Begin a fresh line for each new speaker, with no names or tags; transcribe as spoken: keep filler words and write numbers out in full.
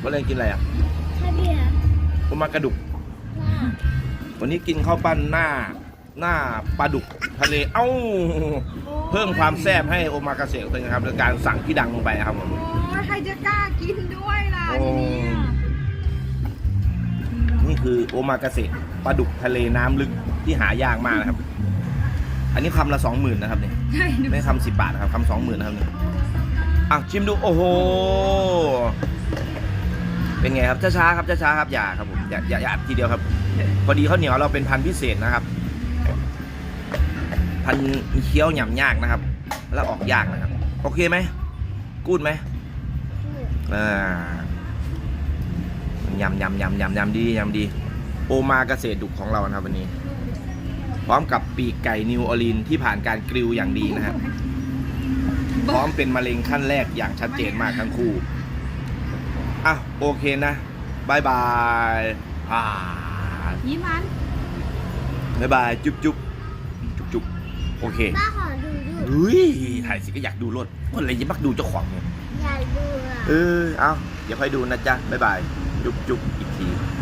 วันนี้กินอะไรอ่ะ
ข้าวเบียร์
โอมากระดุก
ว่า
วันนี้กินข้าวปั้นหน้าหน้าปลาดุกทะเลเอ้าเพิ่มความแซ่บให้โอมากาเสะเลยนะครับโดยการสั่งพี่ดังลงไปครับผม
โอ้ยใครจะกล้ากินด้วยล่ะ
โอ้
ทีนี้
นี่คือโอมากาเสะปลาดุกทะเลน้ำลึกที่หายากมากนะครับ อันนี้คำละสองหมื่นนะครับเนี่ย
ใช่หนู
ไม่คำสิบบาทนะครับคำสองหมื่นนะครับเนี่ยอ่ะชิมดูโอ้โหเป็นไงครับช้าๆครับช้าๆครับอย่าครับผมอย่าอย่าอย่าอัดทีเดียวครับพอดีข้าวเหนียวเราเป็นพันธุ์พิเศษนะครับ พันธุ์มีเคี้ยวหยำยากนะครับ แล้วออกยากนะครับโอเคไหมกูดไหมอ่ายำยำยำยำยำดียำดีโอมาเกษตรดุกของเรานะครับวันนี้ พร้อมกับปีกไก่นิวออร์ลีนที่ผ่านการกริลอย่างดีนะครับพร้อมเป็นมะเร็งขั้นแรกอย่างชัดเจนมากทั้งคู่อ่ะโอเคนะบายบายอ่า
ยิ้มมัน
บายบายจุ๊บจุ๊บจุ๊บจุ๊บโอเค
ป้าขอดูดู
เฮ้ยถ่ายสิก็อยากดูรถคนอะไรยังมักดูเจ้าของเนี่ย
อยากดูอ่ะ
เออเอาเดี๋ยวค่อยดูนะจ๊ะบายบายจุ๊บจุ๊บอีกที